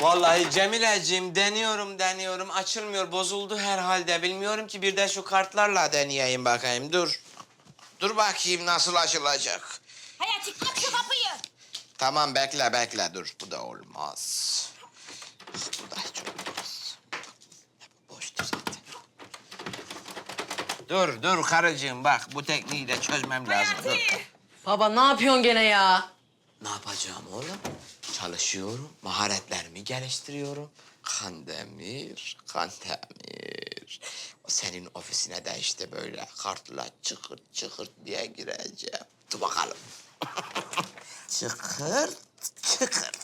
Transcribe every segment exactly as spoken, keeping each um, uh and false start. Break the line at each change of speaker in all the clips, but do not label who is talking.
Vallahi Cemileciğim deniyorum deniyorum açılmıyor, bozuldu herhalde. Bilmiyorum ki, bir de şu kartlarla deneyeyim bakayım. Dur. Dur bakayım nasıl açılacak.
Hayati aç şu kapıyı.
Tamam bekle bekle dur. Bu da olmaz. Bu da hiç olmaz. Boştu zaten. Dur dur karıcığım bak, bu tekniği de çözmem lazım. Dur.
Hayati.
Baba ne yapıyorsun gene ya?
Ne yapacağım oğlum? Çalışıyorum, maharetlerimi geliştiriyorum. Kandemir, Kandemir. O senin ofisine de işte böyle kartla çıkırt çıkırt diye gireceğim. Dur bakalım. Çıkırt, çıkırt.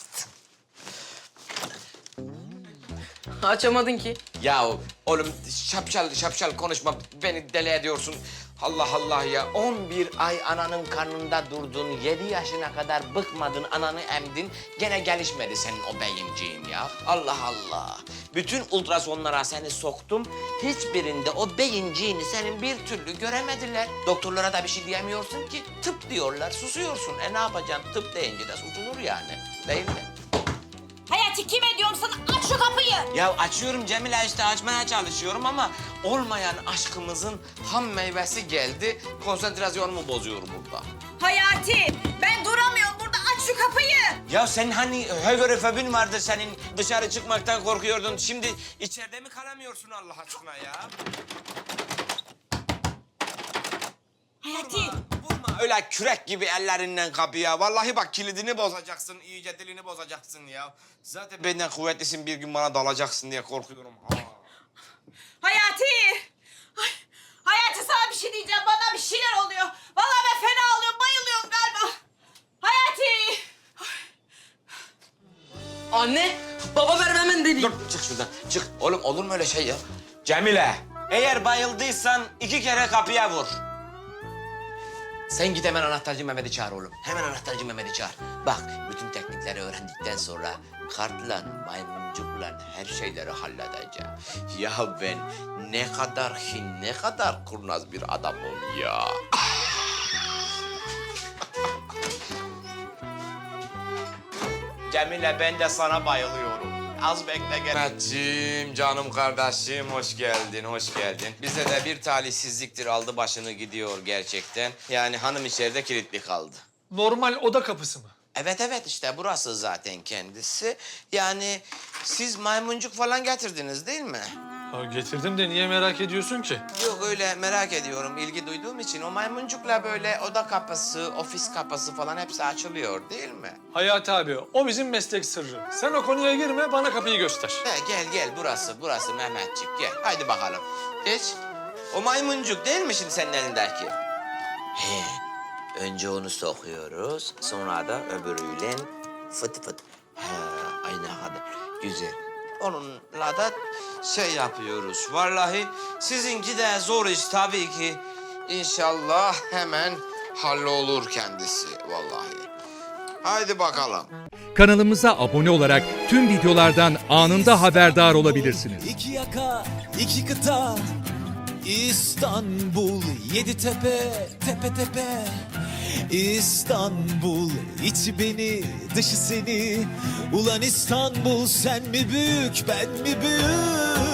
Açamadın ki.
Ya oğlum şapşal şapşal konuşma, beni deli ediyorsun. Allah Allah ya, on bir ay ananın karnında durdun, yedi yaşına kadar bıkmadın, ananı emdin. Gene gelişmedi senin o beyinciğin ya. Allah Allah. Bütün ultrasonlara seni soktum, hiçbirinde o beyinciğini senin bir türlü göremediler. Doktorlara da bir şey diyemiyorsun ki, tıp diyorlar, susuyorsun. E ne yapacaksın, tıp deyince de susulur yani, değil mi?
Hayati kime diyorum sana, aç şu kapıyı.
Ya açıyorum Cemile, işte açmaya çalışıyorum ama olmayan aşkımızın ham meyvesi geldi. Konsantrasyonumu bozuyorum burada.
Hayati ben duramıyorum burada, aç şu kapıyı.
Ya sen hani högörofobin vardı senin, dışarı çıkmaktan korkuyordun. Şimdi içeride mi kalamıyorsun Allah aşkına ya?
Hayati.
Vurma öyle kürek gibi ellerinden kapıya. Vallahi bak kilidini bozacaksın, iyice dilini bozacaksın ya. Zaten benden kuvvetlisin, bir gün bana dalacaksın diye korkuyorum. Ha.
Hayati. Ay, Hayati sana bir şey diyeceğim, bana bir şeyler oluyor. Vallahi ben fena oluyorum, bayılıyorum galiba. Hayati.
Anne, baba ver hemen
Dur
deliyim.
çık şuradan çık. Oğlum olur mu öyle şey ya? Cemile, eğer bayıldıysan iki kere kapıya vur. Sen git hemen anahtarcı Mehmet'i çağır oğlum. Hemen anahtarcı Mehmet'i çağır. Bak bütün teknikleri öğrendikten sonra kartla, maymuncukla her şeyleri halledeceğim. Ya ben ne kadar hin, ne kadar kurnaz bir adamım ya. Cemile, ben de sana bayılıyorum. Az bekle gel. Mehmetciğim, canım kardeşim, hoş geldin, hoş geldin. Bize de bir talihsizliktir, aldı başını gidiyor gerçekten. Yani hanım içeride kilitli kaldı.
Normal oda kapısı mı?
Evet evet, işte burası zaten kendisi. Yani siz maymuncuk falan getirdiniz değil mi?
Ha, getirdim de niye merak ediyorsun ki?
Yok öyle merak ediyorum, ilgi duyduğum için. O maymuncukla böyle oda kapısı, ofis kapısı falan hepsi açılıyor değil mi?
Hayati abi, o bizim meslek sırrı. Sen o konuya girme, bana kapıyı göster.
He, gel gel, burası burası Mehmetçik, gel. Haydi bakalım. Geç. O maymuncuk değil mi şimdi senin elindeki? He. Önce onu sokuyoruz, sonra da öbürüyle fıt fıt. He, aynı kadar. Güzel. Onunla da şey yapıyoruz. Vallahi sizinki de zor iş tabii ki. İnşallah hemen hallolur kendisi vallahi. Haydi bakalım.
Kanalımıza abone olarak tüm videolardan anında haberdar olabilirsiniz.
İki yaka, iki kıta, İstanbul, yedi tepe, tepe tepe. İstanbul, içi beni, dışı seni. Ulan İstanbul, sen mi büyük, ben mi büyük?